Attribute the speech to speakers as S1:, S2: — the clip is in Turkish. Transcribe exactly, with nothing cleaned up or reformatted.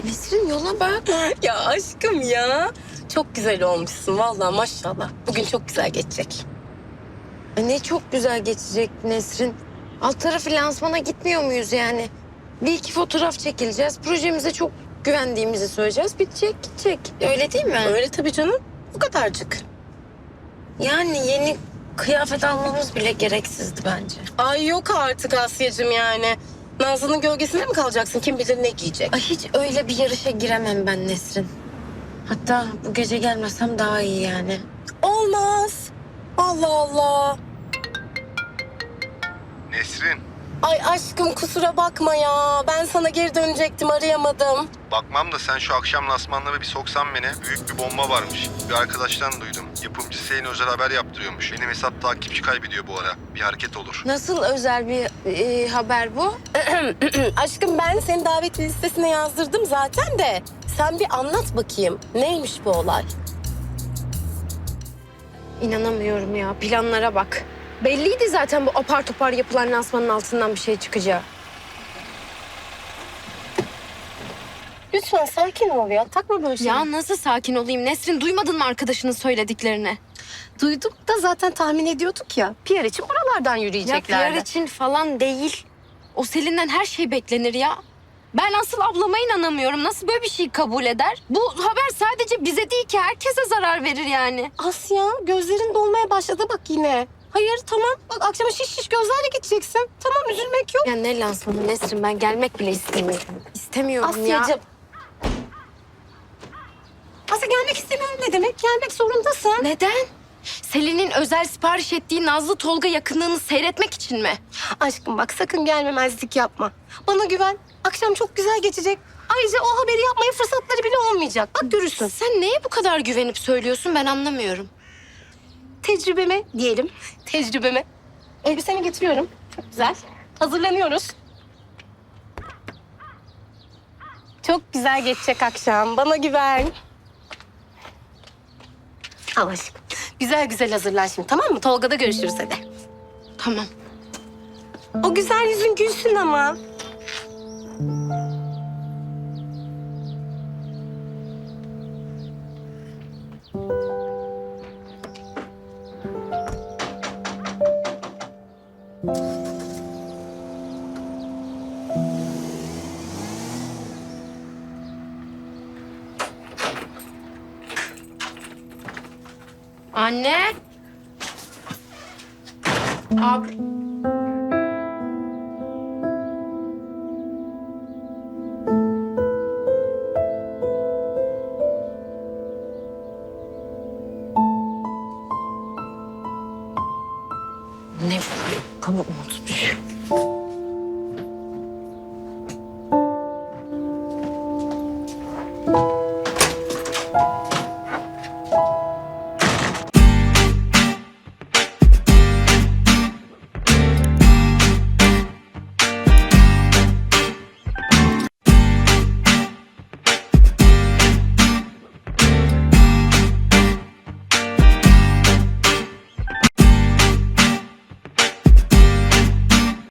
S1: Nesrin yola bak.
S2: Ya aşkım ya. Çok güzel olmuşsun vallahi maşallah. Bugün çok güzel geçecek.
S1: Ay ne çok güzel geçecek Nesrin. Alt tarafı lansmana gitmiyor muyuz yani? Bir iki fotoğraf çekileceğiz. Projemize çok güvendiğimizi söyleyeceğiz. Bitecek gidecek. Öyle değil mi?
S2: Öyle tabii canım. Bu kadarcık.
S1: Yani yeni kıyafet almamız bile gereksizdi bence.
S2: Ay yok artık Asya'cığım yani. Nazlı'nın gölgesinde mi kalacaksın? Kim bilir ne giyecek?
S1: Ay hiç öyle bir yarışa giremem ben Nesrin. Hatta bu gece gelmesem daha iyi yani.
S2: Olmaz. Allah Allah.
S3: Nesrin,
S2: Ay aşkım kusura bakma ya. Ben sana geri dönecektim arayamadım.
S3: bakmam da sen şu akşam lansmanlara bir soksan beni. Büyük bir bomba varmış. Bir arkadaştan duydum. Yapımcı Hüseyin özel haber yaptırıyormuş. Benim hesap takipçi kaybediyor bu ara. Bir hareket olur.
S1: Nasıl özel bir e, haber bu?
S2: Aşkım ben seni davetli listesine yazdırdım zaten de. Sen bir anlat bakayım. Neymiş bu olay?
S1: İnanamıyorum ya. Planlara bak. Belliydi zaten bu apar topar yapılan lansmanın altından bir şey çıkacağı.
S2: Lütfen sakin ol ya. Takma böyle şey.
S1: Ya nasıl sakin olayım Nesrin? Duymadın mı arkadaşının söylediklerini?
S2: Duyduk da zaten tahmin ediyorduk ya. P R için buralardan
S1: Ya
S2: yürüyeceklerdi.
S1: P R için falan değil. O Selin'den her şey beklenir ya. Ben asıl ablama inanamıyorum. Nasıl böyle bir şey kabul eder? Bu haber sadece bize değil ki herkese zarar verir yani.
S2: Asya gözlerin dolmaya başladı bak yine. Hayır tamam bak akşama şiş şiş gözlerle gideceksin. Tamam üzülmek yok.
S1: Ya ne lansmanı Nesrin, ben gelmek bile istemiyorum. İstemiyorum ya.
S2: Asya'cığım. Asya gelmek istemiyorum ne demek? Gelmek zorundasın.
S1: Neden? Selin'in özel sipariş ettiği Nazlı Tolga yakınlığını seyretmek için mi?
S2: Aşkım bak sakın gelmemezlik yapma. Bana güven. Akşam çok güzel geçecek. Ayrıca o haberi yapmaya fırsatları bile olmayacak. Bak görürsün.
S1: Sen neye bu kadar güvenip söylüyorsun ben anlamıyorum.
S2: Tecrübeme diyelim. Tecrübeme. Elbisemi getiriyorum. Çok güzel. Hazırlanıyoruz. Çok güzel geçecek akşam. Bana güven. Al aşkım. Güzel güzel hazırlan şimdi tamam mı? Tolga'da görüşürüz hadi.
S1: Tamam.
S2: O güzel yüzün gülsün ama.
S1: Anne. Abi. Ne bu? Pamuk mu tutmuş?